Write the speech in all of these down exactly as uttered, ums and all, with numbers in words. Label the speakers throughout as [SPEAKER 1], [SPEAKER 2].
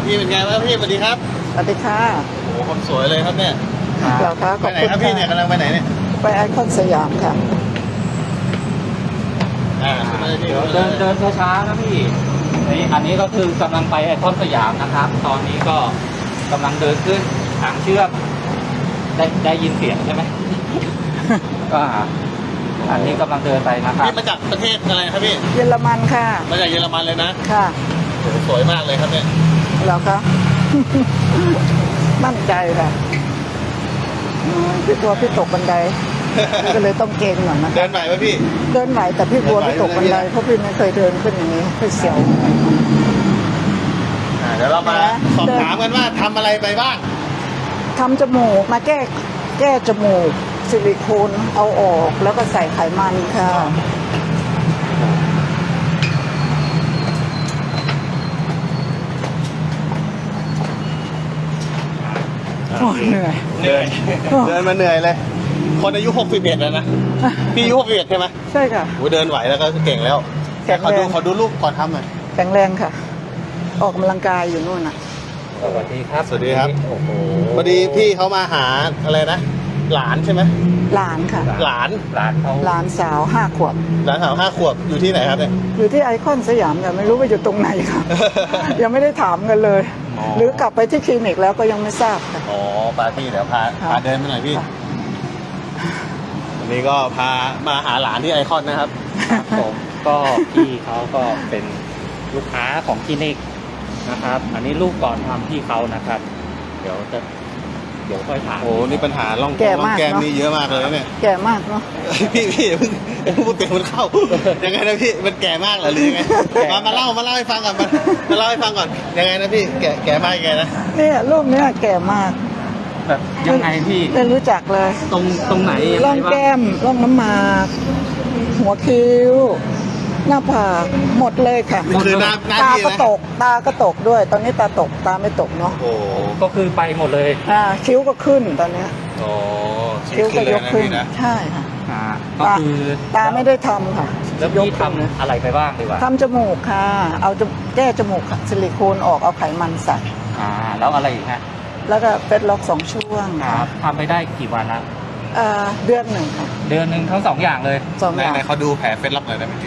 [SPEAKER 1] พี่เป็นไงบ้างพี่สวัสดีครับ
[SPEAKER 2] สวัสดีค่ะ
[SPEAKER 1] โอ้โหคนสวยเลยครับเนี่ย
[SPEAKER 2] เราค่ะข
[SPEAKER 1] ไป
[SPEAKER 2] อบ
[SPEAKER 1] ไหน
[SPEAKER 2] คุณ
[SPEAKER 1] ครับพี่เนี่ยกำลังไปไหนเนี่ย
[SPEAKER 2] ไปไอคอนสยามค่ะ
[SPEAKER 1] อ่า
[SPEAKER 3] เดี๋ยวเดินเดินช้าๆนะพี่นี่อันนี้ก็คือกำลังไปไอคอนสยามนะครับ ตอนนี้ก็กำลังเดินขึ้นทางเชื่อมได้ได้ยินเสียงใช่ไหม ก็อันนี้กำลังเดินไปนะครับ
[SPEAKER 1] พี่มาจากประเทศอะไรครับพี่
[SPEAKER 2] เยอรมันค่ะ
[SPEAKER 1] มาจากเยอรมันเลยนะ
[SPEAKER 2] ค่ะ
[SPEAKER 1] โอ้โหสวยมากเลยครับเนี่ย
[SPEAKER 2] เราค่ะ มั่นใจค่ะพี่กลัวพี่ตกบันไดก็เลยต้องเกรงหน่อยนะ
[SPEAKER 1] เดินไหวไหมพี่
[SPEAKER 2] เดินไหวแต่พี่กลัวพี่ตกบันไดเพราะพี่ไม่เคยเดินขึ้นอย่างนี้พี่เสียว
[SPEAKER 1] อ่าเดี๋ยวเรามาสอบถามกันว่าทำอะไรไปบ้าง
[SPEAKER 2] ทำจมูกมาแก้แก้จมูกซิลิโคนเอาออกแล้วก็ใส่ไขมันค่ะโอ้เหนื่อย
[SPEAKER 1] เหนื่อยเดินมาเหนื่อยเลยคนอายุหกสิบเอ็ดแล้วนะพี่อายุหกสิบเอ็ดใช่ไหม
[SPEAKER 2] ใช่ค่ะ
[SPEAKER 1] โอ้เดินไหวแล้วก็เก่งแล้วแต่ขอดูขอดูรูปก่อนทำหน่อย
[SPEAKER 2] แข็งแรงค่ะออกกำลังกายอยู่นู่นน่ะ
[SPEAKER 3] สวัสดีครับ
[SPEAKER 1] สวัสดีครับ
[SPEAKER 3] โอ้โห
[SPEAKER 1] พอดีพี่เขามาหาอะไรนะหลานใช่ไหม
[SPEAKER 2] หลานค่ะ
[SPEAKER 1] หลาน
[SPEAKER 3] หลานเขา
[SPEAKER 2] หลานสาวห้าขวบ
[SPEAKER 1] หลานสาวห้าขวบอยู่ที่ไหนครับเนี่ย
[SPEAKER 2] อยู่ที่ไอคอนสยามแต่ไม่รู้ว่าอยู่ตรงไหนค่ะ ยังไม่ได้ถามกันเลย หรือกลับไปที่คลินิกแล้วก็ยังไม่ทราบค่ะ
[SPEAKER 1] อ๋อปาพี่เดี๋ยวพาพาเดินไปหน่อยพี่วันนี้ก็พามาหาหลานที่ไอคอนนะครับ
[SPEAKER 3] ผมก็พี่เขาก็เป็นลูกค้าของคลินิกนะครับ อันนี้ลูกก่อนทำพี่เขานะครับ เดี๋ยวจะเดี๋ยวค่อยถาม
[SPEAKER 1] โอ้นี่ปัญหาล่องแก้มล่องแก้มนี่เยอะมากเลยเนี่ย
[SPEAKER 2] แก่มากเนาะ
[SPEAKER 1] พี่พี่เพิ่งพูดเต็มมันเข้ายังไงนะพี่มันแก่มากเหรอหรือยังไงมามาเล่ามาเล่าให้ฟังก่อนมามาเล่าให้ฟังก่อนยังไงนะพี่แก่แก่มากยังไงนะ
[SPEAKER 2] เนี่ยรูปเนี้ยแก่มาก
[SPEAKER 3] แบบยังไงพี่
[SPEAKER 2] ไม่รู้จักเลย
[SPEAKER 3] ตรงตรงไหน
[SPEAKER 2] ร่องแก้มร่องน้ำหมากหัวคิ้วหน้าผากหมดเลยค่ะ
[SPEAKER 1] คือหน้าหน้า
[SPEAKER 2] ตา
[SPEAKER 1] ที่
[SPEAKER 2] ก็ตกตาก็ตกด้วย ตอนนี้ตาตกตาไม่ตกเนาะ
[SPEAKER 1] โอ้
[SPEAKER 3] ก็คือไปหมดเลย
[SPEAKER 2] อ่าคิ้วก็ขึ้นตอนนี้
[SPEAKER 1] โอ้
[SPEAKER 2] คิ้วก็ยกขึ้นใช่ค่ะ
[SPEAKER 3] อ่าก็คือ
[SPEAKER 2] ตาไม่ได้ทำค่ะ
[SPEAKER 3] แล้วพี่ทำอะไรไปบ้างดีกว่า
[SPEAKER 2] ทำจมูกค่ะเอาแก้จมูกซิลิโคนออกเอาไขมันใส่
[SPEAKER 3] อ่าแล้วอะไรอีกฮะ
[SPEAKER 2] แล้วก็เฟซล็อกสองช่วง
[SPEAKER 3] ครับทำไปได้กี่วันละ
[SPEAKER 2] อ่าเดือนหนึ่งค่ะ
[SPEAKER 3] เดือนหนึ่งทั้งสองอย่างเลย
[SPEAKER 2] สองอย่าง
[SPEAKER 1] ไหนเขาดูแผลเฟซล็อกหน่อยได้ไหมพี่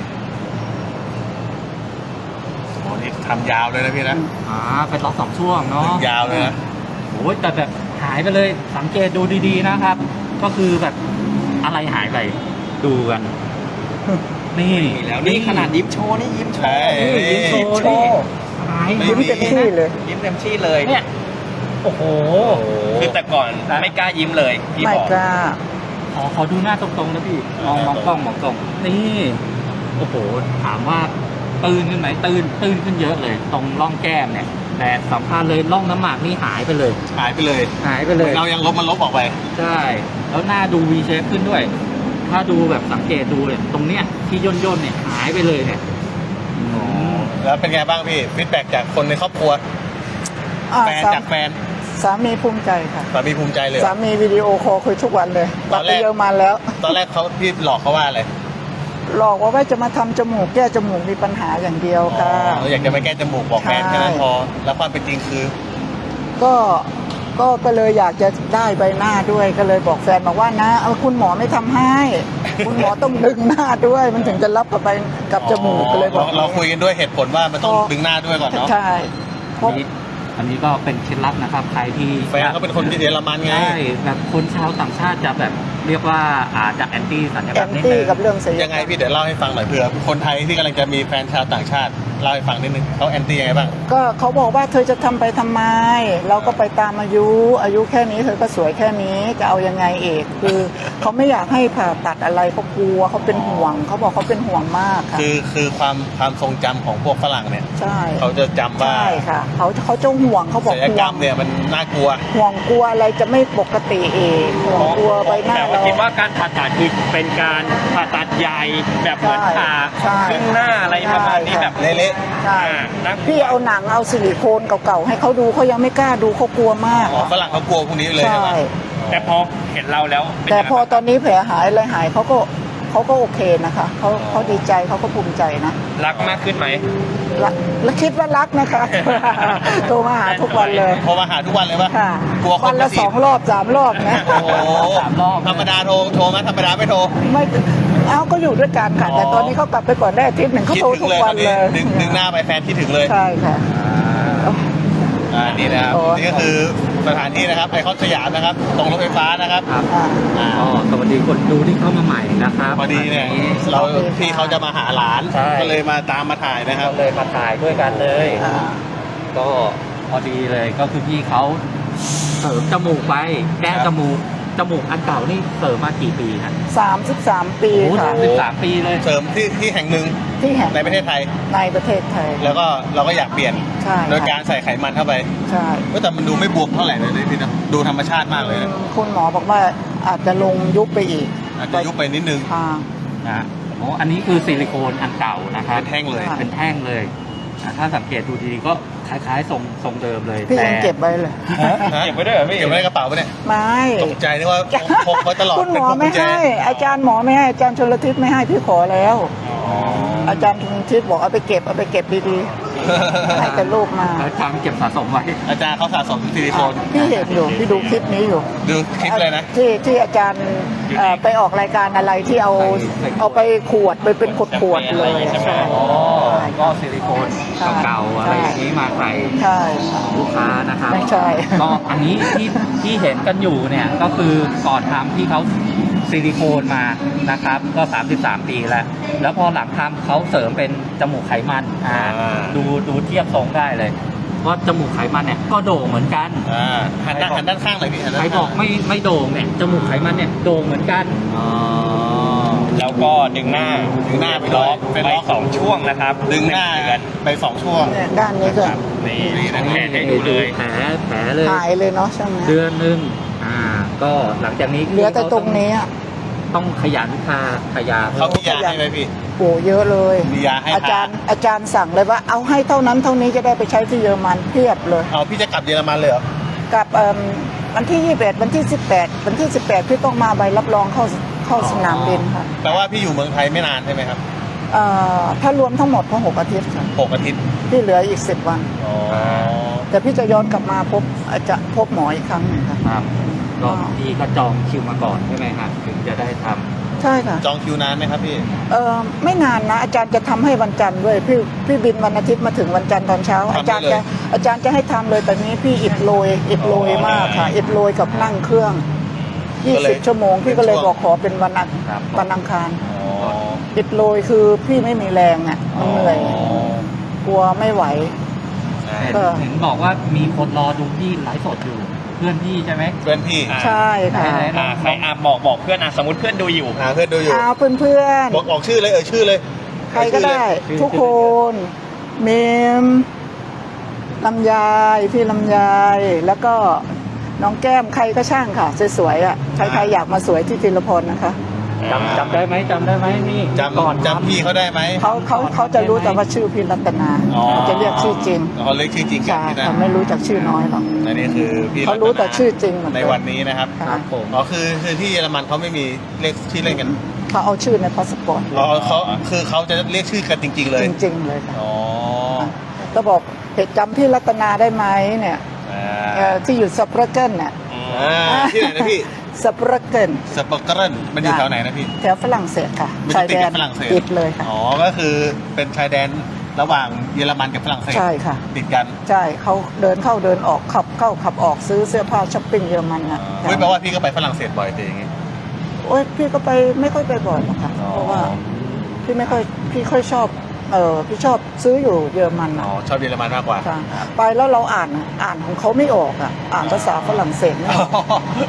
[SPEAKER 1] โอ้นี่ทำยาวเลยนะพี่นะ
[SPEAKER 3] อ่าเป็นล็อกสองช่วงเนาะ
[SPEAKER 1] ยาวเลยนะ
[SPEAKER 3] โอ้ยแต่แบบหายไปเลยสังเกตดูดีๆนะครับ ก็คือแบบอะไรหายไปดูกันนี่
[SPEAKER 1] แล้วนี่ขนาดยิ้มโชว์นี่ยิ้มโชว์
[SPEAKER 3] ยิ้มโชว์นี่หาย
[SPEAKER 2] ยิ้มเต็มที่เลย
[SPEAKER 1] ยิ้มเต็มที่เลย
[SPEAKER 3] เนี่ยโอ้โห
[SPEAKER 1] คือแต่ก่อนไม่กล้ายิ้มเลยพี่บอก
[SPEAKER 2] ไม่กล้า
[SPEAKER 3] ขอขอดูหน้าตรงๆนะพี่มองมองกล้องมองกล้องนี่โอ้โหถามว่าตื่นขึ้นไหมตื่นตื่นขึ้นเยอะเลยตรงร่องแก้มเนี่ยแต่สัมภาษณ์เลยร่องน้ำหมากนี่หายไปเลย
[SPEAKER 1] หายไปเลย
[SPEAKER 3] หายไปเลย
[SPEAKER 1] เรายังลบมันลบออกไป
[SPEAKER 3] ใช่แล้วหน้าดู วี เชฟ ขึ้นด้วยถ้าดูแบบสังเกตดูเนี่ยตรงเนี้ยที่ย่นย่นเนี่ยหายไปเลยเนี่ย
[SPEAKER 1] แล้วเป็นไงบ้างพี่ฟีดแบ็กจากคนในครอบครัวแฟนจากแฟน
[SPEAKER 2] สามีภูมิใจค่ะ
[SPEAKER 1] สามีภูมิใจเลย
[SPEAKER 2] สามีวิดีโอคอลคุยทุกวันเลยตอนแรกเยอะมาแล้ว
[SPEAKER 1] ตอนแรกเขาพี่หลอกเขาว่าอะไร
[SPEAKER 2] หลอกว่าว่าจะมาทำจมูกแก้จมูกมีปัญหาอย่างเดียวค่ะ
[SPEAKER 1] อยากจะไปแก้จมูกบอกแฟนแค่นั้นพอแล้วความเป็นจริงคือ
[SPEAKER 2] ก็ก็ก็เลยอยากจะได้ใบหน้าด้วยก็เลยบอกแฟนบอกว่านะเอาคุณหมอไม่ทำให้คุณหมอต้องดึงหน้าด้วยมันถึงจะรับกับไปกับจมูกก็เลยบอก
[SPEAKER 1] เราคุยกันด้วยเหตุผลว่ามันต้องดึงหน้าด้วยก่อนเนาะ
[SPEAKER 2] ใช่เพราะ
[SPEAKER 3] อันนี้ก็เป็นเคล็ดลับนะครับใครที่
[SPEAKER 1] แฟนเขาเป็นคนที่เยอรมันไง
[SPEAKER 3] ใช่แบบคนชาวต่างชาติจะแบบเรียกว่าอาจจะแอนตี้สัญญกรรมนิดนึง
[SPEAKER 2] กับเรื่องศัลยกรรม
[SPEAKER 1] ยังไงพี่เดี๋ยวเล่าให้ฟังหน่อยเผื่อคนไทยที่กำลังจะมีแฟนชาวต่างชาติเล่าให้ฟังนิดนึงเขาแอนตี้ยังไงบ้าง
[SPEAKER 2] ก็เขาบอกว่าเธอจะทำไปทำไมเราก็ไปตามอายุอายุแค่นี้เธอก็สวยแค่นี้จะเอายังไงเอกคือเขาไม่อยากให้ผ่าตัดอะไรเขากลัวเขาเป็นห่วงเขาบอกเขาเป็นห่วงมากค่ะ
[SPEAKER 1] คือคือความความทรงจำของพวกฝรั่งเนี่ย
[SPEAKER 2] ใช่
[SPEAKER 1] เขาจะจำว่า
[SPEAKER 2] ใช่ค่ะเขาเขาจะห่วงเขาบอก
[SPEAKER 1] ศัลยกรรมเนี่ยมันน่ากลัว
[SPEAKER 2] ห่วงกลัวอะไรจะไม่ปกติเองห่วงกลัวใบหน้าเรา
[SPEAKER 3] คิดว่าการผ่าตัดคือเป็นการผ่าตัดใหญ่แบบเหมือนผ่าครึ่งหน้าอะไรประมาณนี้แบบ
[SPEAKER 1] เละ
[SPEAKER 2] ๆใช่พี่เอาหนังเอาซิลิโคนเก่าๆให้เขาดูเขายังไม่กล้าดูเขากลัวมาก
[SPEAKER 1] ฝรั่งเขากลัวพวกนี้เลยใช่ไหม
[SPEAKER 3] แต่พอเห็นเราแล้ว
[SPEAKER 2] แต่พอตอนนี้แผลหายอะไรหายเขาก็เขเขาก็โอเคนะคะเขาเขาดีใจเขาก็ภูมิใจนะ
[SPEAKER 4] รักมากขึ้นไหม
[SPEAKER 2] รักและคิดว่ารักนะคะ โทรมาหาทุกวันเลย
[SPEAKER 1] โทรมาหาทุกวันเลยปะ
[SPEAKER 2] ค่ะ
[SPEAKER 1] กลัวคน
[SPEAKER 2] วันละ
[SPEAKER 1] มาจีบ
[SPEAKER 2] สองรอบสามรอบนะ
[SPEAKER 1] โอ้โห
[SPEAKER 3] สามรอบ
[SPEAKER 1] ธรรมดาโทรโทรไหมธรรมดาไม่โทร
[SPEAKER 2] ไม่เอาก็อยู่ด้วยกันค่ะ
[SPEAKER 1] อ๋อ
[SPEAKER 2] แต่ตอนนี้เขากลับไปก่อนได้อาทิตย์หนึ่งเขา
[SPEAKER 1] คิด
[SPEAKER 2] โทร
[SPEAKER 1] ถึ
[SPEAKER 2] ทุ
[SPEAKER 1] ง
[SPEAKER 2] ก
[SPEAKER 1] เลย
[SPEAKER 2] วัน
[SPEAKER 1] ตอนนี้
[SPEAKER 2] เลย
[SPEAKER 1] ดึงดึงหน้าไปแฟนคิดถึงเลย
[SPEAKER 2] ใช่ค่ะ
[SPEAKER 1] อ่านี่นะครับ
[SPEAKER 2] โอ้
[SPEAKER 1] นี่ก็คือสถานที่นะครับไอคอนสยามนะครับ ตรงรถไฟฟ้านะครับ
[SPEAKER 3] ครับ
[SPEAKER 2] อ่า
[SPEAKER 1] อ่า
[SPEAKER 3] ก็สวัสดีคนดูที่เข้ามาใหม่นะครับ
[SPEAKER 1] พอดีเนี่ย
[SPEAKER 3] วั
[SPEAKER 1] เรา
[SPEAKER 2] โอเคค่ะ
[SPEAKER 1] พี่เขาจะมาหาหลาน
[SPEAKER 3] ใช่
[SPEAKER 1] ก็เลยมาตามมาถ่ายนะครับ
[SPEAKER 3] ก็เลยมาถ่ายด้วยกันเลย
[SPEAKER 2] อ่า
[SPEAKER 3] ก็พอดีเลยก็คือพี่เขาเสริมจมูกไปแก้
[SPEAKER 1] ครับ
[SPEAKER 3] จมูกจมูกอันเก่านี่เสริมมากี่ปีครับ
[SPEAKER 2] สามสิบสามปี
[SPEAKER 3] โอ้
[SPEAKER 2] ค่ะ
[SPEAKER 3] สามสิบสามปีเลย
[SPEAKER 1] เสริมที่ที่แห่งหนึ่ง
[SPEAKER 2] ที่แห่ง
[SPEAKER 1] ในประเทศไทย
[SPEAKER 2] ในประเทศไทย
[SPEAKER 1] แล้วก็เราก็อยากเปลี่ยน
[SPEAKER 2] ใช่
[SPEAKER 1] โดยการใส่ไขมันเข้าไป
[SPEAKER 2] ใช่
[SPEAKER 1] ก็แต่มันดูไม่บวมเท่าไหร่เลยพี่นะดูธรรมชาติมากเลยนะ
[SPEAKER 2] คุณหมอบอกว่าอาจจะลงยุบไปอีก
[SPEAKER 1] อาจจะยุบไปนิดนึง
[SPEAKER 2] ค่ะ
[SPEAKER 3] นะโอ้อันนี้คือซิลิโคนอันเก่านะครับ
[SPEAKER 1] เป็นแท่งเลย
[SPEAKER 2] ค่ะ
[SPEAKER 3] เป็นแท่งเลยอ่ะถ้าสังเกตดูดีๆก็คล้ายๆทรงทรงเดิมเลย
[SPEAKER 2] พี่ยัง
[SPEAKER 3] แต่
[SPEAKER 2] เก็บไว้เลย
[SPEAKER 4] เก็บไว้ด้วยเหรอพี่
[SPEAKER 1] เก็บไว้ในกระเป๋าปะเนี่ย
[SPEAKER 2] ไม่
[SPEAKER 1] ตกใจนึกว่าพกไว้ตลอด
[SPEAKER 2] คุณหม
[SPEAKER 1] เป็น
[SPEAKER 2] อ
[SPEAKER 1] พวงกุ
[SPEAKER 2] ไม่
[SPEAKER 1] ญแจ
[SPEAKER 2] ให้ อาจารย์หมอไม่ให้อาจารย์ชลทิศไม่ให้พี่ขอแล้ว
[SPEAKER 1] อ๋อ
[SPEAKER 2] อาจารย์ชลทิศบอกเอาไปเก็บเอาไปเก็บดีๆให้แต่ลูกมา
[SPEAKER 3] แล้วจำเก็บสะสมไว้
[SPEAKER 1] อาจารย์เขาสะสมซิลิโคน
[SPEAKER 2] พี่เห็นอยู่พี่ดูคลิปนี้อยู่
[SPEAKER 1] ดูคลิปเลยนะ
[SPEAKER 2] ที่ที่อาจารย์เอ่อไปออกรายการอะไรที่เอาเอาไปขวดไปเป็นขวดขวดๆเลยใช่
[SPEAKER 3] อ๋อก็ซิลิโคนเก่าๆอะไรอย่างนี้มาใส่
[SPEAKER 2] ใช่ค่ะ
[SPEAKER 3] ลูกค้านะครับ
[SPEAKER 2] ไม่ใช่
[SPEAKER 3] ก็อันนี้ที่ที่เห็นกันอยู่เนี่ยก็คือก่อนทำที่เขาซิลิโคนมานะครับก็สามสิบสามปีแล้วแล้วพอหลังทำเขาเสริมเป็นจมูกไขมันอ่า
[SPEAKER 1] อ่า
[SPEAKER 3] ดูดูเทียบทรงได้เลยว่าจมูกไขมันเนี่ยก็โด่งเหมือนกัน
[SPEAKER 1] อ่าหันด้านหันด้านข้างเลยพี่หันด้าน
[SPEAKER 3] ใคร
[SPEAKER 1] ข้าง
[SPEAKER 3] บอกไม่ไม่โด่งเนี่ยจมูกไขมันเนี่ยโด่งเหมือนกัน
[SPEAKER 1] อ๋อ
[SPEAKER 4] แล้วก็ดึงหน้า
[SPEAKER 1] ดึงหน้าไป
[SPEAKER 4] ล็
[SPEAKER 1] ล็
[SPEAKER 4] อ
[SPEAKER 1] อก ก
[SPEAKER 4] เป็
[SPEAKER 1] เป็น น
[SPEAKER 4] ล็
[SPEAKER 1] ล็
[SPEAKER 4] อ
[SPEAKER 1] อก ก
[SPEAKER 4] สองช่วงนะครับ
[SPEAKER 1] ดึงหน้า
[SPEAKER 4] เดือน
[SPEAKER 1] ไปสองช่วง
[SPEAKER 2] เนี่ยด้านนี้ก็
[SPEAKER 4] นี่
[SPEAKER 1] นี่นะ
[SPEAKER 4] แผลให้ดูเลย
[SPEAKER 3] แผลแผลเลย
[SPEAKER 2] หายเลยเนาะใช่ไหม
[SPEAKER 3] เดือนหนึ่งอ่าก็หลังจากนี้
[SPEAKER 2] เหลือแต่ตรงนี้อะ
[SPEAKER 3] ต้องขยันทาขยา
[SPEAKER 1] เขามียาให้ไหมพี่
[SPEAKER 2] โอ้เยอะเลย
[SPEAKER 1] มียาให้
[SPEAKER 2] อาจารย์อาจารย์สั่งเลยว่าเอาให้เท่านั้นเท่านี้จะได้ไปใช้ที่เยอรมันเพียบเลย
[SPEAKER 1] เอาพี่จะกลับเยอรมันเลยเหรอ
[SPEAKER 2] กับเอิ่มวันที่ยี่สิบเอ็ดวันที่สิบแปดวันที่สิบแปดพี่ต้องมาใบรับรองเข้าเข้าสนามบินค่ะ
[SPEAKER 1] แปลว่าพี่อยู่เมืองไทยไม่นานใช่ไหมครับ
[SPEAKER 2] เอ่อถ้ารวมทั้งหมดก็หกอาทิตย์ค่ะ
[SPEAKER 1] หกอาทิตย์
[SPEAKER 2] ที่เหลืออีกสิบวัน
[SPEAKER 1] อ๋อ
[SPEAKER 2] แต่พี่จะย้อนกลับมาพบอาจจะพบหมออีกครั้งหนึ่งค่ะ
[SPEAKER 3] ครับก็
[SPEAKER 2] อ๋อ
[SPEAKER 3] พี่ก็จองคิวมาก่อนใช่ไหมฮะถึงจะได้ทำ
[SPEAKER 2] ใช่ค่ะ
[SPEAKER 1] จองคิวนานไหมครับพี่
[SPEAKER 2] เออไม่นานนะอาจารย์จะทำให้วันจันทร์ด้วยพี่พี่บินวันอาทิตย์มาถึงวันจันทร์ตอนเช้า
[SPEAKER 1] ทำได้
[SPEAKER 2] อาจารย์
[SPEAKER 1] เลย
[SPEAKER 2] จะอาจารย์จะให้ทำเลยแต่นี้พี่อิดโรยอิดโรยมากค่ะอิดโรยกับนั่งเครื่องยี่สิบชั่วโมงพี่ก็เลยบอกขอเป็นวันอัง
[SPEAKER 3] ครับ
[SPEAKER 2] วันอังคาร
[SPEAKER 1] อ๋อ
[SPEAKER 2] อิดโรยคือพี่ไม่มีแรงอ่ะมันเหนื่อย
[SPEAKER 1] อ๋อก
[SPEAKER 2] ลัวไม่ไหว
[SPEAKER 1] ใช่
[SPEAKER 3] เห็น
[SPEAKER 2] ก็
[SPEAKER 3] เห็นบอกว่ามีคนรอดูพี่ไลฟ์สดอยู่เพื่อนพี่ใช่ไหม
[SPEAKER 1] เพื่อนพี่
[SPEAKER 4] อ่า
[SPEAKER 2] ใช่ค่ะ
[SPEAKER 3] ไหน
[SPEAKER 4] อ่าใครอ่ะบอกบอกเพื่อนอ่ะสมมติเพื่อนดูอยู่
[SPEAKER 1] หาเพื่อนดูอยู่
[SPEAKER 2] เอาเพื่อนเพื่อนๆ
[SPEAKER 1] บอกออกชื่อเลยเออชื่อเลย
[SPEAKER 2] ใครก็ได้
[SPEAKER 3] ชื่อ
[SPEAKER 2] ทุกคนเมมลำไยายพี่ลำไยายแล้วก็น้องแก้มใครก็ช่างค่ะสวยๆอ่ะใครๆอยากมาสวยที่ธีรพลนะคะ
[SPEAKER 3] จำจำได้ไหมจำได้ไหมนี่ก่อน
[SPEAKER 1] จำจำพี่เขาได้ไหม
[SPEAKER 2] เขาเขาเขาจะรู้แต่ว่าชื่อพี่รัตนา
[SPEAKER 1] อ๋อ
[SPEAKER 2] เขาจะเรียกชื่อจริง
[SPEAKER 1] เขาเรียกชื่อจริงกัน
[SPEAKER 2] ใช่
[SPEAKER 1] ที่นั่น
[SPEAKER 2] เขาไม่รู้จักชื่อน้อยหรอก
[SPEAKER 1] อันนี้คือพี่
[SPEAKER 2] เขารู้แต่
[SPEAKER 1] ตน
[SPEAKER 2] ชื่อจริงหมดเลย
[SPEAKER 1] ในวันนี้นะครับ
[SPEAKER 2] ค่ะ
[SPEAKER 3] ครับผม
[SPEAKER 1] อ๋อคือคือที่เยอรมันเขาไม่มีเรียกชื่อเล่นกัน
[SPEAKER 2] เขาเอาชื่อในพาสปอร์ต
[SPEAKER 1] อ๋อเขาคือเขาจะเรียกชื่อกันจริง ๆ เลย
[SPEAKER 2] จริงๆเลยค่ะ
[SPEAKER 1] อ๋อ
[SPEAKER 2] ก็บอกเหตุจำพี่รัตนาได้ไหมเนี่ย
[SPEAKER 1] อ่
[SPEAKER 2] เอ่อา ที่อยู่สเปรเกนเนี่ย
[SPEAKER 1] อ่าที่ไหนนะพี่
[SPEAKER 2] สเปรเกน
[SPEAKER 1] สปอร์เกรนมันอยู่แถวไหนนะพี่
[SPEAKER 2] แถวฝรั่งเศสค่ะ
[SPEAKER 1] มัน
[SPEAKER 2] ชา
[SPEAKER 1] จะ
[SPEAKER 2] ย
[SPEAKER 1] ติด
[SPEAKER 2] แด
[SPEAKER 1] กัน บฝรั่งเศส
[SPEAKER 2] ติดเลยค่ะ
[SPEAKER 1] อ๋อก็คือเป็นชายแดนระหว่างเยอรมันกับฝรั่งเศส
[SPEAKER 2] ใช่ค่ะ
[SPEAKER 1] ติดกัน
[SPEAKER 2] ใช่เขาเดินเข้าเดินออกขับเข้าขับออกซื้อเสื้อผ้าช้อปปิ้งเยอรมันนะ
[SPEAKER 1] เฮ้ยแปลว่าพี่ก็ไปฝรั่งเศสบ่อยแต่อย่างงี้
[SPEAKER 2] โอ้ยพี่ก็ไปไม่ค่อยไปบ่อยหรอกค่ะ
[SPEAKER 1] อ๋อ
[SPEAKER 2] เพราะว่าพี่ไม่ค่อยพี่ค่อยชอบเออพี่ชอบซื้ออยู่เยอรมัน
[SPEAKER 1] อ๋
[SPEAKER 2] นะ
[SPEAKER 1] อชอบเยอรมันมากกว่า
[SPEAKER 2] ใช่ไปแล้วเราอ่านอ่านของเขาไม่ออกอ่ะอ่านภาษาฝรั่งเศสไม่ออก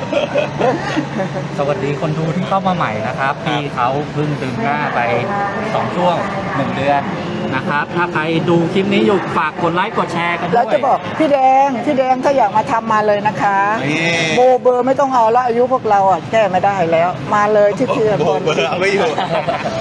[SPEAKER 3] สวัสดีคนดูที่เข้ามาใหม่นะครับพี่เขาเพิ่งดึงหน้าไปสองช่วงหนึ่งเดือนนะครับ ถ้าใครดูคลิปนี้อยู่ฝากกดไลค์กดแชร์กันด้วย
[SPEAKER 2] แล้วจะบอกพี่แดงพี่แดงถ้าอยากมาทำมาเลยนะคะ
[SPEAKER 1] นี่
[SPEAKER 2] โบเบอร์ไม่ต้องเอาละอายุพวกเราอ่ะแก้ไม่ได้แล้ว มาเลยที่เพีย
[SPEAKER 1] โบ
[SPEAKER 2] คน
[SPEAKER 1] เบอร์เอาไม่อยู่โบ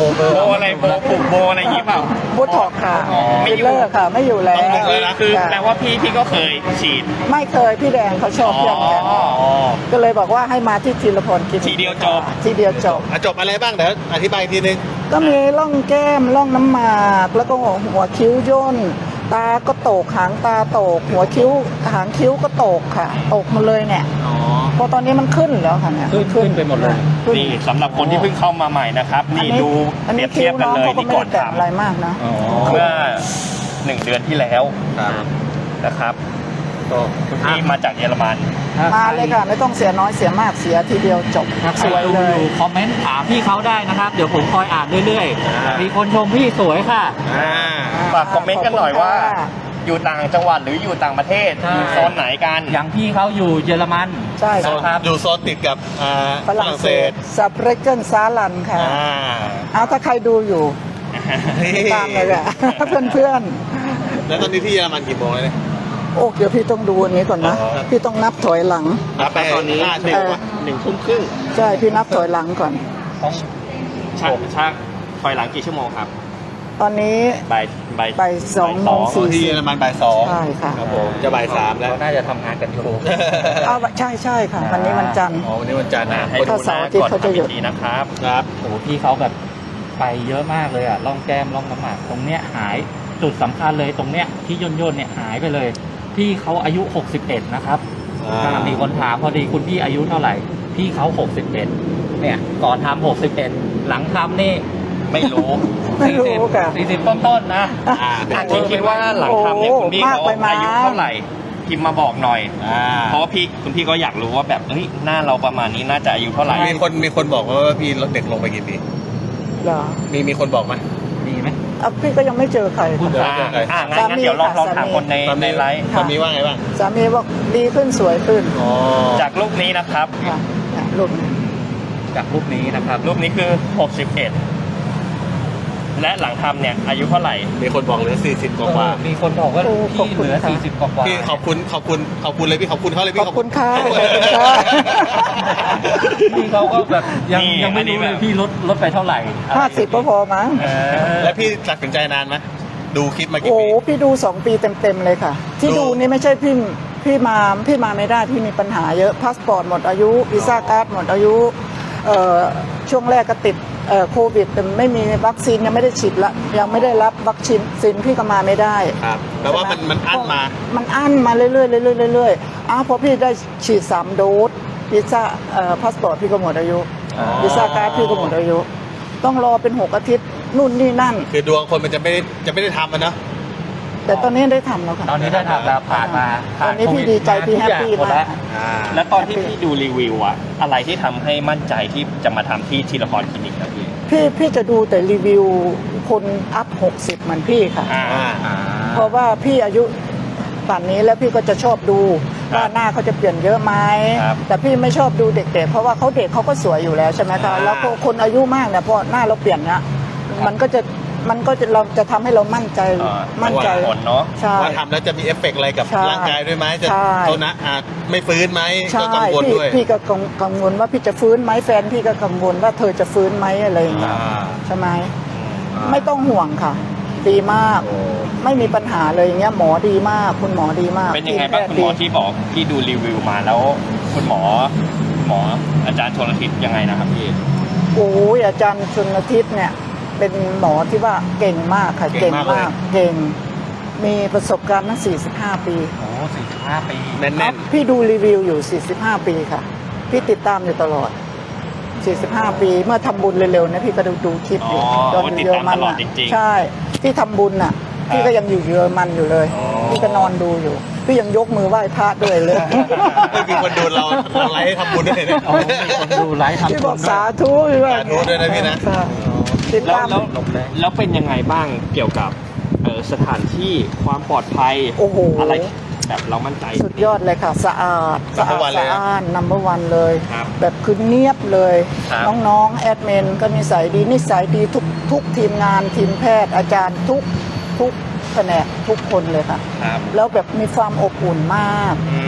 [SPEAKER 4] โบอะไรโบผูกโบอะไรอย่างงี้เปล่า
[SPEAKER 2] บูท็อกค่ะ
[SPEAKER 4] อ๋อไม่
[SPEAKER 2] ฟิ
[SPEAKER 4] อยู่
[SPEAKER 2] ลเลอร์ค่ะ ไม่อยู่แล้ว
[SPEAKER 1] ต้องเลยนะ
[SPEAKER 4] คือ
[SPEAKER 2] ค่ะ
[SPEAKER 4] แปลว่าพี่พี่ก็เคยฉีด
[SPEAKER 2] ไม่เคยพี่แดงเขาชอบเรื่องกัน
[SPEAKER 4] อ๋อ
[SPEAKER 2] ก็เลยบอกว่าให้มาที่ธีรพลกิน
[SPEAKER 4] ทีเดียวจบ
[SPEAKER 2] ทีเดียวจบ
[SPEAKER 1] อ่ะจบอะไรบ้างเดี๋ยวอธิบายอีกทีนึง
[SPEAKER 2] ก็มีร่องแก้มร่องน้ำหมากแล้วก็หัวคิ้วย่นตาก็โตกหางตาโตก หัวคิ้วหางคิ้วก็โตกค่ะโตกหมาเลยเนี่ย
[SPEAKER 3] อ๋อ
[SPEAKER 2] เพราะตอนนี้มันขึ้นแล้วค่ะเนี่ย
[SPEAKER 3] ขึ้นขึ้นไปหมดเลย
[SPEAKER 2] ขึ้น
[SPEAKER 4] นี่สำหรับคนที่เพิ่งเข้ามาใหม่นะครับ นี่ดู
[SPEAKER 2] อัน
[SPEAKER 4] เปรี
[SPEAKER 2] นี้
[SPEAKER 4] ยบเทียบกันเลย
[SPEAKER 2] คิ้วองขาก็
[SPEAKER 4] นี่
[SPEAKER 2] ไม่
[SPEAKER 4] ก่อ
[SPEAKER 2] ได้
[SPEAKER 4] น
[SPEAKER 2] แต่
[SPEAKER 4] ท
[SPEAKER 2] อะไรมากนะ
[SPEAKER 3] อ๋อ
[SPEAKER 4] ำเมื่อหนึ่งเดือนที่แล้ว
[SPEAKER 1] ครับ
[SPEAKER 4] นะครับก็คุณพี่มาจากเยอรมัน
[SPEAKER 2] มาเลยค่ะ ไม่ต้องเสียน้อยเสียมากเสียทีเดียวจบ
[SPEAKER 3] ถ้าใคร
[SPEAKER 2] สวย
[SPEAKER 3] ดู
[SPEAKER 2] เล
[SPEAKER 3] อย ยู่คอมเมนต์ถามพี่เขาได้นะครับ เดี๋ยวผมคอยอ่านเรื่อย
[SPEAKER 1] อ่า
[SPEAKER 3] ๆ
[SPEAKER 1] มี
[SPEAKER 3] มีคนชมพี่สวยค่ะ
[SPEAKER 1] อ่า
[SPEAKER 4] ฝากคอมเมนต์กันหน่อยว่า
[SPEAKER 2] ขอบคุณค่ะ
[SPEAKER 4] อยู่ต่างจังหวัดหรืออยู่ต่างประเทศ
[SPEAKER 3] ใช่
[SPEAKER 4] อยู่โซนไหนกัน
[SPEAKER 3] อย่างพี่เขาอยู่เยอรมัน
[SPEAKER 2] ใช่
[SPEAKER 1] โซน
[SPEAKER 2] ค่ะ
[SPEAKER 1] อยู่โซนติดกับอ่า
[SPEAKER 2] ฝรั่งเศสซับเรเกนซาลันค่ะ
[SPEAKER 1] อ่า
[SPEAKER 2] เอาถ้าใครดูอยู่ติดตามเลยค่ะ เพื่อน
[SPEAKER 1] แล้วตอนนี้ที่เยอรมันกี่โมงแล้วเนี่ย
[SPEAKER 2] ๆ โอ้เดี๋ยวพี่ต้องดูอันนี้ก่อนนะ
[SPEAKER 1] อ๋อ
[SPEAKER 2] พี่ต้องนับถอยหลัง
[SPEAKER 1] นับไปตอนนี้หนึ่งวะหนึ่งทุ่มครึ่ง
[SPEAKER 2] ใช่พี่นับถอยหลังก่อน
[SPEAKER 4] ชักชักถอยหลังกี่ชั่วโมงครับ
[SPEAKER 2] ตอนนี้
[SPEAKER 4] บ่ายบ่าย
[SPEAKER 2] บ่ายสองโมง
[SPEAKER 1] อ๋อที่เยอรมันบ่ายสอง
[SPEAKER 2] ใช่ค่ะ
[SPEAKER 1] ครับผมจะบ่ายสามแล้ว
[SPEAKER 3] เขาน่าจะทำงานกันอยู่
[SPEAKER 2] เอาใช่ใช่ค่ะ วันนี้วันจันทร์
[SPEAKER 1] อ๋อวันนี้วันจันทร์นะ
[SPEAKER 4] ให้
[SPEAKER 2] ถ้า
[SPEAKER 4] ดูห
[SPEAKER 2] เสาร์
[SPEAKER 4] น้า
[SPEAKER 2] อาทิตย์
[SPEAKER 4] ก่อน
[SPEAKER 2] เขาจะ
[SPEAKER 4] ทำ
[SPEAKER 2] หยุ
[SPEAKER 4] พิ
[SPEAKER 2] ด
[SPEAKER 4] ธีนะครับ
[SPEAKER 1] ครับ
[SPEAKER 3] โอ้โหพี่เขาแบบไปเยอะมากเลยอ่ะร่องแก้มร่องน้ำหมากตรงเนี้ยหายจุดสำคัญเลยตรงเนี้ยที่ย่นย่นๆเนี่ยหายไปเลย พี่เขาอายุหกสิบเอ็ดนะครับ
[SPEAKER 1] อ่า
[SPEAKER 3] อ่ามีคนถามพอดีคุณพี่อายุเท่าไหร่ พี่เขาหกสิบเอ็ดเนี่ยก่อนทำหกสิบเอ็ดหลังทำนี่
[SPEAKER 4] ไม่รู้
[SPEAKER 2] ไม่รู้ค่ะ
[SPEAKER 3] สี่สิบต้นๆนะ
[SPEAKER 1] อ่า
[SPEAKER 4] อาจจะคิดว่าหลังทำเนี่ยคุณพี่เขา
[SPEAKER 2] โอ้มากไปมั้ย
[SPEAKER 4] อายุเท่าไหร่พิมพ์มาบอกหน่อย
[SPEAKER 1] อ่า
[SPEAKER 4] เพราะว่าพี่คุณพี่ก็อยากรู้ว่าแบบเฮ้ยหน้าเราประมาณนี้น่าจะอายุเท่าไหร่
[SPEAKER 1] มีคนมีคนบอกว่าพี่ลดเด็กลงไปกี่ปี
[SPEAKER 2] เหรอ
[SPEAKER 1] มีมีคนบอกไหม
[SPEAKER 3] มีไหม
[SPEAKER 2] เอาพี่ก็ยังไม่เจอใคร
[SPEAKER 3] คุณ
[SPEAKER 2] ค่ะ
[SPEAKER 1] เดี๋ยว
[SPEAKER 4] อ่า
[SPEAKER 1] เดี๋ยว
[SPEAKER 4] อ่างั้นงั้นเดี๋ยวลองลองถามคนใน
[SPEAKER 1] ตอน
[SPEAKER 4] ใน
[SPEAKER 1] นี้
[SPEAKER 4] ไลฟ์
[SPEAKER 1] ตอนนี้ว่าไงบ้าง
[SPEAKER 2] สามีบอกดีขึ้นสวยขึ้น
[SPEAKER 1] อ๋อ
[SPEAKER 4] จากรูปนี้นะครับ
[SPEAKER 2] ค่ะเนี่ยรูปนี้
[SPEAKER 3] จากรูปนี้นะครับ
[SPEAKER 4] รูปนี้คือหกสิบเอ็ดและหลังทำเนี่ยอายุเท่าไหร่
[SPEAKER 1] มีคนบอกเหลือสี่สิบกว่า
[SPEAKER 3] เออมีคนบอกว่าพี่เหลือสี่สิบกว่าๆ
[SPEAKER 1] พี่ขอบคุณขอบคุณขอบคุณเลยพี่ขอบคุณเขาเลย
[SPEAKER 2] ข
[SPEAKER 1] พี่
[SPEAKER 2] อบคุณค่ะขอบคุณค่ะ
[SPEAKER 3] พี่เขาก็แบบยัง
[SPEAKER 4] นี่
[SPEAKER 3] ยังไม่
[SPEAKER 4] อันนี้
[SPEAKER 3] รู้เลย
[SPEAKER 4] แบบ
[SPEAKER 3] พี่ลดลดไปเท่าไหร่
[SPEAKER 2] ห้าสิบก็พอมั้ง
[SPEAKER 3] เออ
[SPEAKER 1] แล้วพี่ตัดสินใจนานไหมดูคลิปมากี่
[SPEAKER 2] โอ้
[SPEAKER 1] ปี
[SPEAKER 2] พี่ดูสองปีเต็มๆเลยค่ะ ที่
[SPEAKER 1] ดู
[SPEAKER 2] ดูนี่ไม่ใช่พี่พี่มาพี่มาไม่ได้พี่มีปัญหาเยอะพาสปอร์ตหมดอายุวีซ่าการ์ดหมดอายุเอ่อช่วงแรกก็ติดเอ่อโควิดแต่ไม่มีวัคซีนยังไม่ได้ฉีดละยังไม่ได้รับวัคซีนซินพี่ก็มาไม่ได้
[SPEAKER 1] ครับแปลว่ามันมันอั้นมา
[SPEAKER 2] มันอั้นมาเรื่อยๆเรื่อยๆเรื่อยๆอ้าวพอพี่ได้ฉีดสามโดสวีซ่าเอ่อพาสปอร์ตพี่ก็หมดอายุ
[SPEAKER 1] อ๋อ
[SPEAKER 2] วีซ่าการ์ดพี่ก็หมดอายุ ต้องรอเป็นหกอาทิตย์นู่นนี่นั่น
[SPEAKER 1] คือดวงคนมันจะไม่ได้จะไม่ได้ทำมันเนาะ
[SPEAKER 2] แต่ตอนนี้ได้ทำแล้วค่ะ
[SPEAKER 3] ตอนนี้ได้ทำแล้วผ่านมา
[SPEAKER 2] ตอนนี้พี่ดีใจพี่แฮปปี้
[SPEAKER 3] ทุกอย่งหด
[SPEAKER 2] มาก
[SPEAKER 3] แล้ว
[SPEAKER 1] อ่า
[SPEAKER 4] แล้วตอนที่พี่ดูรีวิวอะอะไรที่ทำให้มั่นใจที่จะมาทำที่ทีละครคลินิกนะพี่
[SPEAKER 2] พี่พี่จะดูแต่รีวิวคนอัพหกสิบเหมือนพี่ค่ะ
[SPEAKER 4] อ่า
[SPEAKER 1] อ่า
[SPEAKER 2] เพราะว่าพี่อายุป่านนี้แล้วพี่ก็จะชอบดู
[SPEAKER 4] ครับ
[SPEAKER 2] ว่าหน้าเขาจะเปลี่ยนเยอะไหม
[SPEAKER 4] ครับ
[SPEAKER 2] แต่พี่ไม่ชอบดูเด็กๆ เพราะว่าเขาเด็กเขาก็สวยอยู่แล้วใช่ไหมคะ
[SPEAKER 1] อ่า
[SPEAKER 2] แล้วก็คนอายุมากเนี่ยพอหน้าเราเปลี่ยนเนี่ยมันก็จะมันก็จะเราจะทำให้เรามั่นใจ
[SPEAKER 4] เอ่อ
[SPEAKER 2] มั่นใจ
[SPEAKER 4] ผลเนาะ
[SPEAKER 2] ใช่
[SPEAKER 1] ว่าทำแล้วจะมีเอฟเฟกต์อะไรกับ
[SPEAKER 2] ใช่
[SPEAKER 1] ร่างกายด้วยไหมจะ
[SPEAKER 2] ใช่
[SPEAKER 1] โทษนะอาจไม่ฟื้นไหม
[SPEAKER 2] ใช่
[SPEAKER 1] ก็กังวล
[SPEAKER 2] พี่
[SPEAKER 1] ด้วย
[SPEAKER 2] พี่ก็กังกังวลว่าพี่จะฟื้นไหมแฟนพี่ก็กังวลว่าเธอจะฟื้นไหมอะไรอย่างเงี้ย
[SPEAKER 1] อ่า
[SPEAKER 2] ใช่ไหมไม่ต้องห่วงค่ะ ดีมาก ไม่มีปัญหาเลยอย่างเงี้ยหมอดีมาก คุณหมอดีมาก
[SPEAKER 4] เป็นยังไงบ้าง
[SPEAKER 2] ที
[SPEAKER 4] คุณ
[SPEAKER 2] แพ
[SPEAKER 4] หมอ
[SPEAKER 2] ทย์ดี
[SPEAKER 4] ที่บอกที่ดูรีวิวมาแล้ว คุณหมอหมออาจารย์ชลทิศยังไงนะครับพี่
[SPEAKER 2] โอ้ยอาจารย์ชนทิศเนี่ยเป็นหมอที่ว่าเก่งมากค่ะ
[SPEAKER 1] เก่
[SPEAKER 2] เก่
[SPEAKER 1] ง
[SPEAKER 2] ง
[SPEAKER 1] มากเลย
[SPEAKER 2] มาก เก่ง มีประสบการณ์ตั้งสี่สิบห้าปี
[SPEAKER 3] โอ้สี่สิบห้าปี
[SPEAKER 1] แน่น
[SPEAKER 2] ครับพี่ดูรีวิวอยู่สี่สิบห้าปีค่ะ พี่ติดตามอยู่ตลอดสี่สิบห้าปีเมื่อทำบุญเร็วๆนะพี่ก็ดูดูคลิปอยู่
[SPEAKER 4] อ๋อ
[SPEAKER 2] ตอน
[SPEAKER 4] โอ้
[SPEAKER 2] อยู่
[SPEAKER 4] ติด
[SPEAKER 2] เยอ
[SPEAKER 4] ตาร ม
[SPEAKER 2] มั
[SPEAKER 4] ต
[SPEAKER 2] น
[SPEAKER 4] ลอด
[SPEAKER 2] อ่ะ
[SPEAKER 4] จริงๆ
[SPEAKER 2] ใช่ที่ทำบุญน่ะ พี่ก็ยังอยู่เยอรมันอยู่เลย
[SPEAKER 4] อ๋อ
[SPEAKER 2] พี่ก็นอนดูอยู่ พี่ยังยกมือไหว้พระด้วยเลย
[SPEAKER 1] ๆไม่มีคนดูเราเราไลฟ์ให้ทำบุญด้วยเนี่ย
[SPEAKER 3] โอ้มีคนดูไลฟ์ทำ
[SPEAKER 2] พี่
[SPEAKER 3] บุ
[SPEAKER 2] บอก
[SPEAKER 3] ญด้ว
[SPEAKER 2] สาย ธุพี่ว่า
[SPEAKER 1] สาธุด้วยนะพี่นะ
[SPEAKER 2] ค่ะติด
[SPEAKER 4] แล้ว
[SPEAKER 2] ตาม
[SPEAKER 4] แล้วแล้วเป็นยังไงบ้างเกี่ยวกับเอ่อสถานที่ความปลอดภัย
[SPEAKER 2] โอ้โห
[SPEAKER 4] อะไรแบบเรามั่นใจ
[SPEAKER 2] สุดยอดเลยค่ะ สะอาดสะอา
[SPEAKER 1] Number
[SPEAKER 2] ด
[SPEAKER 1] one เลย
[SPEAKER 2] สะ
[SPEAKER 1] นะ
[SPEAKER 2] อาดนัมเบอร์วันเลย
[SPEAKER 4] ครับ
[SPEAKER 2] แบบคือเนียบเลย
[SPEAKER 4] ครับ
[SPEAKER 2] น้องๆ แอดมินก็นิสัยดีนิสัยดีทุกทุกทีมงานทีมแพทย์อาจารย์ทุกทุกแผนกทุกคนเลยค่ะ
[SPEAKER 4] ครับ
[SPEAKER 2] แล้วแบบมีความอบอุ่นมาก
[SPEAKER 4] อืม
[SPEAKER 2] เขา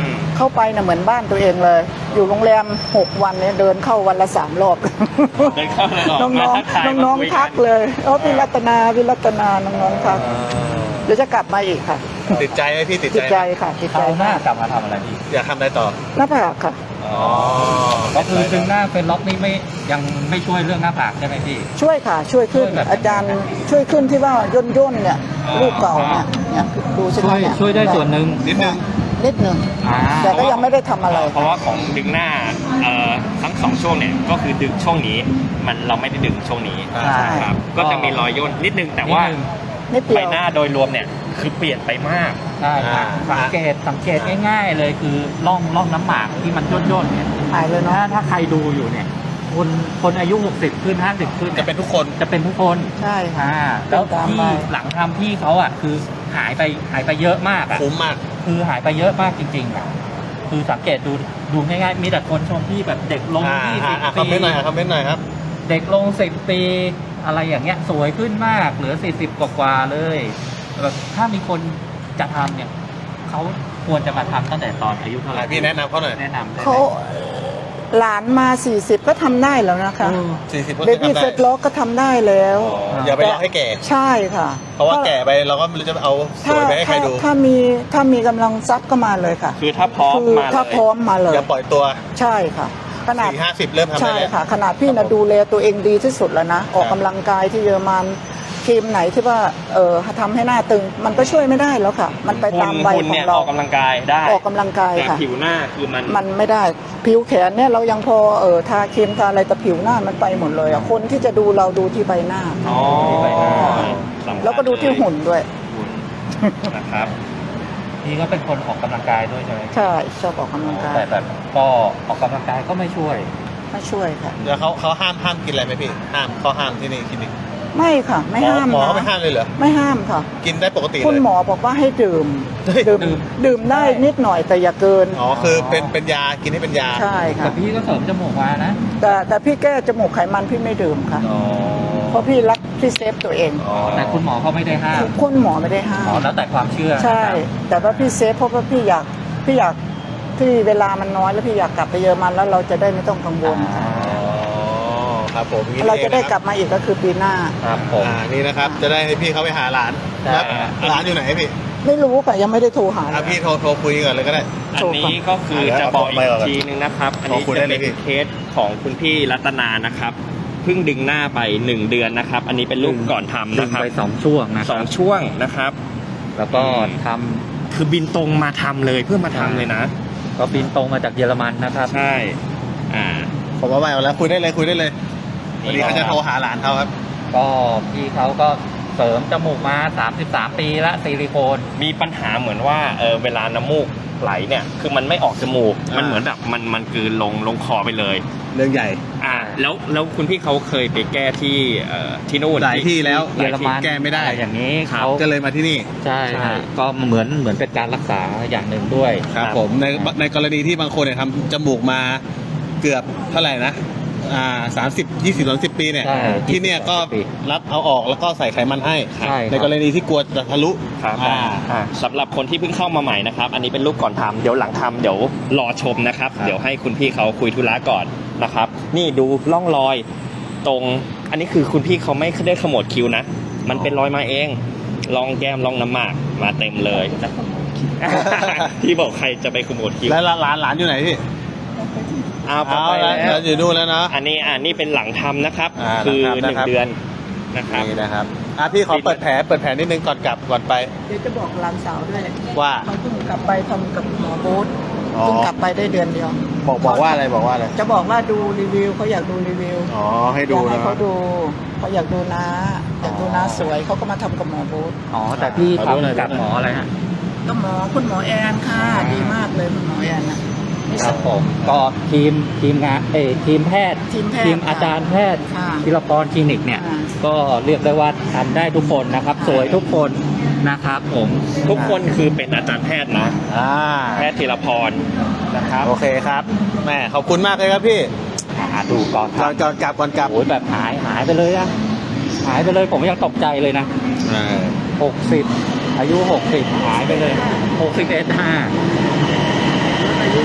[SPEAKER 2] เข้าไปน่ะเหมือนบ้านตัวเองเลย อยู่โรงแรมหกวันเนี่ยเดินเข้าวันละสามรอบ
[SPEAKER 4] เดินเข้าเลยออก
[SPEAKER 2] น้อง
[SPEAKER 4] มา
[SPEAKER 2] น้อง
[SPEAKER 4] ทักทาย
[SPEAKER 2] น้องน้อง
[SPEAKER 4] มาคุย
[SPEAKER 2] ๆทักเลยเออพี่รัตนาพี่รัตนาน้องน้องๆทักเดี๋ยวจะกลับมาอีกค่ะ
[SPEAKER 1] ติดใจไหมพี่ติด
[SPEAKER 2] ติด
[SPEAKER 1] ใจ
[SPEAKER 2] ใจ
[SPEAKER 1] ไหม
[SPEAKER 2] ค่ะติด
[SPEAKER 3] ค
[SPEAKER 2] ใจ
[SPEAKER 3] ราวหน้ากลับมาทำอะไรพี่
[SPEAKER 1] อยากทำอะไรต่อ
[SPEAKER 2] หน้าผากค่ะ
[SPEAKER 1] อ๋อ
[SPEAKER 3] ก็คือดึงหน้าเป็นล็อกนี่ไม่ยังไม่ช่วยเรื่องหน้าผากใช่ไหมพี่
[SPEAKER 2] ช่วยค่ะ ช่วยขึ้น
[SPEAKER 3] ช่วยแบบ
[SPEAKER 2] อาจารย์ช่วยขึ้นที่ว่าย่นย่นๆเนี่ยรูปเก่าเนี่ยเนี่ยดูใช่ไห
[SPEAKER 3] ช่
[SPEAKER 2] ม
[SPEAKER 3] วย
[SPEAKER 2] เนี่ย
[SPEAKER 3] ช่วยได้ส่วนหนึ่ง
[SPEAKER 1] นิดนึง
[SPEAKER 2] นิดหนึ่ง
[SPEAKER 3] อ่า
[SPEAKER 2] แต่ก็ยังไม่ได้ทำอะไร
[SPEAKER 4] เพราะว่าของดึงหน้าเอ่อทั้งสองช่วงเนี่ยก็คือดึงช่วงนี้มันเราไม่ได้ดึงช่วงนี้
[SPEAKER 1] ใช่
[SPEAKER 4] ครับก็จะมีรอยย่นนิดนึงแต่ว่า
[SPEAKER 3] นิดนึง
[SPEAKER 2] นิดเดี
[SPEAKER 4] ใบ
[SPEAKER 2] ยว
[SPEAKER 4] หน้าโดยรวมเนี่ยคือเปลี่ยนไปมาก
[SPEAKER 3] ใช่ครับ
[SPEAKER 1] อ่า
[SPEAKER 3] สังเกตสังเกตง่ายๆเลยคือร่องร่องน้ำหมากที่มันย่นๆเนี่ย
[SPEAKER 2] หายเลย
[SPEAKER 3] ถ้า
[SPEAKER 2] เนาะ
[SPEAKER 3] ถ้าใครดูอยู่เนี่ยคนคนอายุหกสิบขึ้นห้าสิบขึ้น
[SPEAKER 1] จะ
[SPEAKER 3] ย
[SPEAKER 1] เป็นทุกคน
[SPEAKER 3] จะเป็นทุกคน
[SPEAKER 2] ใช่ค่ะ
[SPEAKER 3] อ่าแล้ว
[SPEAKER 2] ตาม
[SPEAKER 3] ที่
[SPEAKER 2] ไป
[SPEAKER 3] หลังทำพี่เขาอ่ะคือหายไปหายไปเยอะมากอ่ะ
[SPEAKER 1] คุ้มมาก
[SPEAKER 3] คือหายไปเยอะมากจริงๆอ่ะคือสังเกตดูดูง่ายๆมีแต่คนชมพี่แบบเด็กลง
[SPEAKER 1] อ่า
[SPEAKER 3] ยี่
[SPEAKER 1] อ่า
[SPEAKER 3] สิบ
[SPEAKER 1] อ่าคอม
[SPEAKER 3] ปี
[SPEAKER 1] เมนต์หน่อยครับคอมเมนต์หน่อยครับ
[SPEAKER 3] เด็กลงสิบปีอะไรอย่างเงี้ยสวยขึ้นมากเหลือสี่สิบกว่าๆเลยแบบถ้ามีคนจะทำเนี่ยเขาควรจะมาทำตั้งแต่ตอนอายุเท่าไหร่
[SPEAKER 1] อ่ะพี่แนะนำเขาหน่อย
[SPEAKER 3] แนะนำได้ไหม
[SPEAKER 2] เขาหลานมาสี่สิบก็ทำได้แล้วนะคะ
[SPEAKER 3] เออ
[SPEAKER 1] สี่สิบก็
[SPEAKER 2] เบ
[SPEAKER 1] คือ
[SPEAKER 2] บี้
[SPEAKER 1] ทำได้
[SPEAKER 2] เฟสล็อกก็ทำได้แล้ว
[SPEAKER 1] อย่าไปรอให้แก่
[SPEAKER 2] ใช่ค่ะ
[SPEAKER 1] เพราะว่าแก่ไปเราก็ไม่รู้จะเอาสวยไปให้ใครดู
[SPEAKER 2] ถ้าถ้ามีถ้ามีกำลังทรัพย์ก็มาเลยค่ะ
[SPEAKER 4] คือถ้าพร้อม
[SPEAKER 2] คือ
[SPEAKER 4] มาเล
[SPEAKER 2] ถ้าย พร้อมมาเลย
[SPEAKER 1] อย่าปล่อยตัว
[SPEAKER 2] ใช่ค่ะ ขนาด
[SPEAKER 1] สี่ห้าสิบเริ่มทำได้
[SPEAKER 2] ใช่
[SPEAKER 1] แล้ว
[SPEAKER 2] ค่ะ ขนาดพี่นะดูแลตัวเองดีที่สุดแล้วนะ ออก
[SPEAKER 1] ครับ
[SPEAKER 2] กำลังกายที่เยอรมันครีมไหนที่ว่าเออทำให้หน้าตึง มันก็ช่วยไม่ได้แล้วค่ะ มันไปตามใบ
[SPEAKER 4] คุณ
[SPEAKER 2] ขอ
[SPEAKER 4] เนี่
[SPEAKER 2] ง
[SPEAKER 4] ย
[SPEAKER 2] เรา
[SPEAKER 4] ออกกำลังกายได้
[SPEAKER 2] ออกกำลังกาย
[SPEAKER 4] แต่
[SPEAKER 2] ค่ะ
[SPEAKER 4] ผิวหน้าคือมัน
[SPEAKER 2] มันไม่ได้ผิวแขนเนี่ยเรายังพอเออทาครีมทาอะไรแต่ผิวหน้ามันไปหมดเลยอ่ะคนที่จะดูเราดูที่ใบหน้า
[SPEAKER 4] อ๋อ
[SPEAKER 3] ที่ใบหน้า
[SPEAKER 4] สำคัญ
[SPEAKER 2] แล้วก็ดูที่หุ่นด้วย
[SPEAKER 4] หุ่นนะครับ
[SPEAKER 3] พี่ก็เป็นคนออกกำลังกายด้วยใช่ไหม
[SPEAKER 2] ใช่ชอบออกกำลังกาย
[SPEAKER 3] แต่แบบก็ออกกำลังกายก็ไม่ช่วย
[SPEAKER 2] มาช่วยค่ะ
[SPEAKER 1] แล้วเขาเขาห้ามห้ามกินอะไรไหมพี่ ห้ามเขาห้ามที่นี่คลินิก
[SPEAKER 2] ไม่ค่ะ ไม่ห้าม
[SPEAKER 1] หมอเขา
[SPEAKER 2] นะ
[SPEAKER 1] ไม่ห้ามเลยเหรอ
[SPEAKER 2] ไม่ห้ามค่ะ
[SPEAKER 1] กินได้ปกติ
[SPEAKER 2] คุณ
[SPEAKER 1] เลย
[SPEAKER 2] หมอบอกว่าให้ดื่ม
[SPEAKER 1] เฮ้ย
[SPEAKER 2] ดื่ม
[SPEAKER 3] ดื่ม
[SPEAKER 2] ดื่มได้นิดหน่อยแต่อย่าเกิน
[SPEAKER 1] อ๋อคือเป็นเป็นยากินให้เป็นยา
[SPEAKER 2] ใช่
[SPEAKER 3] แต่
[SPEAKER 2] ค่ะ
[SPEAKER 3] พี่ก็เสริมจมูกมานะ
[SPEAKER 2] แต่แต่พี่แก้จมูกไขมันพี่ไม่ดื่มค่ะ
[SPEAKER 1] อ๋อ
[SPEAKER 2] เพราะพี่รักพี่เซฟตัวเอง
[SPEAKER 1] อ๋อ
[SPEAKER 3] แต่คุณหมอเขาไม่ได้ห้าม
[SPEAKER 2] คุณหมอไม่ได้ห้า
[SPEAKER 3] อ๋อ
[SPEAKER 2] ม
[SPEAKER 3] แล้วแต่ความเชื่อ
[SPEAKER 2] ใช่
[SPEAKER 3] นะครับ
[SPEAKER 2] แต่ว่าพี่เซฟเพราะว่าพี่อยากพี่อยากที่เวลามันน้อยแล้วพี่อยากกลับไปเยอรมันแล้วเราจะได้ไม่ต้องกังวล
[SPEAKER 3] อ่า
[SPEAKER 1] อ๋อครับผมอย่างนี้
[SPEAKER 2] เราจะได้
[SPEAKER 1] องนคบ
[SPEAKER 2] กลับมาอีกก็คือปีหน้า
[SPEAKER 3] ครับผม
[SPEAKER 1] อ่านี่นะครับ จะได้ให้พี่เขาไปหาหลาน
[SPEAKER 3] ใช่
[SPEAKER 1] แล้วหลานอยู่ไหนพี่
[SPEAKER 2] ไม่รู้ค่ะยังไม่ได้โทรหาเล
[SPEAKER 1] อ่ะ
[SPEAKER 2] ย
[SPEAKER 1] พี่โทรโทรคุยก่อนเลยก็ได้
[SPEAKER 4] อันนี้ก็คือจะบอกอีกทีนึงนะครับ อันนี้
[SPEAKER 1] ขอคุย
[SPEAKER 4] จะ
[SPEAKER 1] ได้เล
[SPEAKER 4] เป็
[SPEAKER 1] ย
[SPEAKER 4] น
[SPEAKER 1] พี่
[SPEAKER 4] เคสของคุณพี่รัตนานะครับ เพิ่งดึงหน้าไปหนึ่งเดือนนะครับ อันนี้เป็นรูปก่อนทำ
[SPEAKER 3] ดึ
[SPEAKER 4] นะ
[SPEAKER 3] ง
[SPEAKER 4] ครับ
[SPEAKER 3] ไปสองช่วงนะค
[SPEAKER 4] ส
[SPEAKER 3] รั
[SPEAKER 4] อบ งช่วงนะครับ
[SPEAKER 3] แล้วก็ท
[SPEAKER 4] คือบินตรงมาทำเลยเพื่อมาทำเลยนะ
[SPEAKER 3] ำก็บินตรงมาจากเยอรมันนะครับ
[SPEAKER 4] ใช่ อ่า
[SPEAKER 1] ผมว่าไม่เอาแล้วคุยได้เลยคุยได้เลยวันนี้เขาจะโทรหาหลานเขาครับ
[SPEAKER 3] ก็พี่เขาก็เสริมจมูกมาสามสิบสามปีละซิลิโคน
[SPEAKER 4] มีปัญหาเหมือนว่าเออเวลาน้ำมูกไหลเนี่ย คือมันไม่ออกจมูก
[SPEAKER 1] อ่ามั
[SPEAKER 4] มันเหมือนแบบมันมันคือลงลงคอไปเลย
[SPEAKER 1] เรื่องใหญ่
[SPEAKER 4] อ่า แล้วแล้วคุณพี่เขาเคยไปแก้ที่เอ่อที่นู่น
[SPEAKER 1] หลายที่แล้ว
[SPEAKER 4] ห
[SPEAKER 3] เย
[SPEAKER 4] ลา
[SPEAKER 3] อย ร
[SPEAKER 4] ที่
[SPEAKER 3] มัน
[SPEAKER 1] แก้ไม่ได้
[SPEAKER 3] อะรอย่างนี้
[SPEAKER 4] ครับ
[SPEAKER 3] เขา
[SPEAKER 1] ก็เลยมาที่นี่
[SPEAKER 3] ใช่
[SPEAKER 4] ใช่
[SPEAKER 3] ฮะก็เหมือนเหมือนเป็นการรักษาอย่างหนึ่งด้วย
[SPEAKER 1] ครับผมในในกรณีที่บางคนเนี่ยทำจมูกมาเกือบเท่าไหร่นะอ่าสามสิบยี่สิบสามสิบปีเนี่ย
[SPEAKER 3] ใช่
[SPEAKER 1] ที่เนี่ยก็
[SPEAKER 3] ยี่สิบปี
[SPEAKER 1] รับเอาออกแล้วก็ใส่ไขมันให้
[SPEAKER 3] ใช่ครับ
[SPEAKER 1] ในกรณีที่กลัวจะทะลุ
[SPEAKER 4] ครับ
[SPEAKER 1] อ่า
[SPEAKER 4] อ่าสำหรับคนที่เพิ่งเข้ามาใหม่นะครับ อันนี้เป็นรูปก่อนทำเดี๋ยวหลังทำเดี๋ยวรอชมนะครับ
[SPEAKER 1] ครับ
[SPEAKER 4] เดี๋ยวให้คุณพี่เขาคุยธุระก่อนนะครับ นี่ดูร่องรอยตรง อันนี้คือคุณพี่เขาไม่ได้ขมวดคิ้วนะ มันเป็นรอยมาเองลองแก้มลองน้ำหมากมาเต็มเลย พี่บอกใครจะไปขมวดคิ้ว
[SPEAKER 1] แล้วหลานหลานอยู่ไหนพี่
[SPEAKER 4] อ้าวพอ
[SPEAKER 1] เอา
[SPEAKER 4] ไป
[SPEAKER 1] แล้ว
[SPEAKER 4] แล้ว
[SPEAKER 1] อยู่นู่นแล้วเนาะ
[SPEAKER 4] อันนี้อ่านี่เป็นหลังทำนะครับ
[SPEAKER 1] อ่า
[SPEAKER 4] คือ
[SPEAKER 1] หลังทำนะครับ
[SPEAKER 4] หนึ่งเดือนนะครับ
[SPEAKER 1] นี่นะครับอ่ะพี่ขอเปิดแผลเปิดแผลนิดนึงก่อนกลับก่อนไป
[SPEAKER 2] เดี๋ยวจะบอกหลานสาวด้วย
[SPEAKER 1] ว่า
[SPEAKER 2] เขาเพิ่งกลับไปทำกับหมอโบ๊ท
[SPEAKER 1] อ๋อ
[SPEAKER 2] เพิ่งกลับไปได้เดือนเดียว
[SPEAKER 1] บอกบอกว่าอะไรบอกว่าอะไร
[SPEAKER 2] จะบอกว่าดูรีวิวเขาอยากดูรีวิว
[SPEAKER 1] อ๋อให้
[SPEAKER 2] อ
[SPEAKER 1] ดู
[SPEAKER 2] ยากให้
[SPEAKER 1] นะ
[SPEAKER 2] เขาดูเขาอยากดูน้าอยากดูน้าสวยเขาก็มาทำกับหมอโบ๊ท
[SPEAKER 3] อ๋อแต่พี่
[SPEAKER 1] ขอดูหน่อย
[SPEAKER 3] ทำกับหมออะไรฮะ
[SPEAKER 2] ก็หมอคุณหมอแอนค่ะดีมากเลยคุณหมอแอนนะครับ
[SPEAKER 3] ผมก็ทีมทีมงานเอยทีมแพทย์
[SPEAKER 2] ทีมแพทย์
[SPEAKER 3] ทีมอาจารย์แพทย์
[SPEAKER 2] ค่ะ
[SPEAKER 3] ธีรพรคลินิกเนี่ย
[SPEAKER 2] อ่า
[SPEAKER 3] ก็เรียกได้ว่าทำได้ทุกคนนะครับ สวยทุกคนนะครับผม
[SPEAKER 4] ทุกคนคือเป็นอาจารย์แพทย์นะ
[SPEAKER 1] อ่า
[SPEAKER 4] แพทย์ธีรพรนะครับ
[SPEAKER 1] โอเคครับแม่ขอบคุณมากเลยครับพี่
[SPEAKER 3] อ่าดูก่อนค
[SPEAKER 1] ก่
[SPEAKER 3] รั
[SPEAKER 1] อบ นก่อนกลับก่อนกลับ
[SPEAKER 3] โอ้ยแบบหายหายไปเลยอะหายไปเลยผมยังตกใจเลยนะ
[SPEAKER 1] อ่า
[SPEAKER 3] หกสิบอายุหกสิบหายไปเลยหกสิบเอ็ดห้า
[SPEAKER 2] อายุ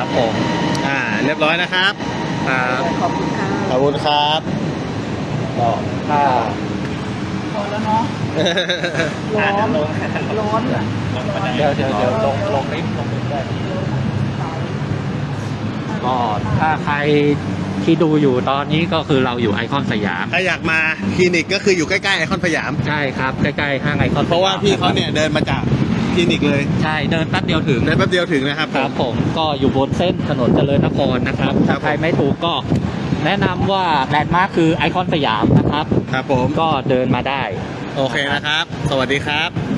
[SPEAKER 3] ผม
[SPEAKER 1] อ่าเรียบร้อยนะครับ
[SPEAKER 3] ครับ
[SPEAKER 2] ขอบคุณค่ะ
[SPEAKER 1] ขอบคุณครับ
[SPEAKER 3] ก็ถ้า
[SPEAKER 2] พอแล้วเนาะร้อนร้อนอะ
[SPEAKER 3] เดี๋ยวเดี๋ยวเดี๋ยวลงลงลิฟต์ลงลิฟต์ได้ก็ถ้าใครที่ดูอยู่ตอนนี้ก็คือเราอยู่ไอคอนสยาม
[SPEAKER 1] ถ้าอยากมาคลินิกก็คืออยู่ใกล้ๆไอคอนสยาม
[SPEAKER 3] ใช่ครับใกล้ๆห้างไอคอนสยม
[SPEAKER 1] เพราะว่าพี่เขาเนี่ยเดินมาจากคลินิกเลย
[SPEAKER 3] ใช่เดินแป๊บเดียวถึง
[SPEAKER 1] เดินแป๊บเดียวถึงนะครับ
[SPEAKER 3] ครับผมก็อยู่บนเส้นถนนเจริญนครนะครับ
[SPEAKER 1] ครั
[SPEAKER 3] ถ้า
[SPEAKER 1] บ
[SPEAKER 3] ใครไม่ถูกก็แนะนำว่าแลนด์มาร์คคือไอคอนสยามนะครับ
[SPEAKER 1] ครับผม
[SPEAKER 3] ก็เดินมาได้
[SPEAKER 1] โอเคนะครับ สวัสดีครับ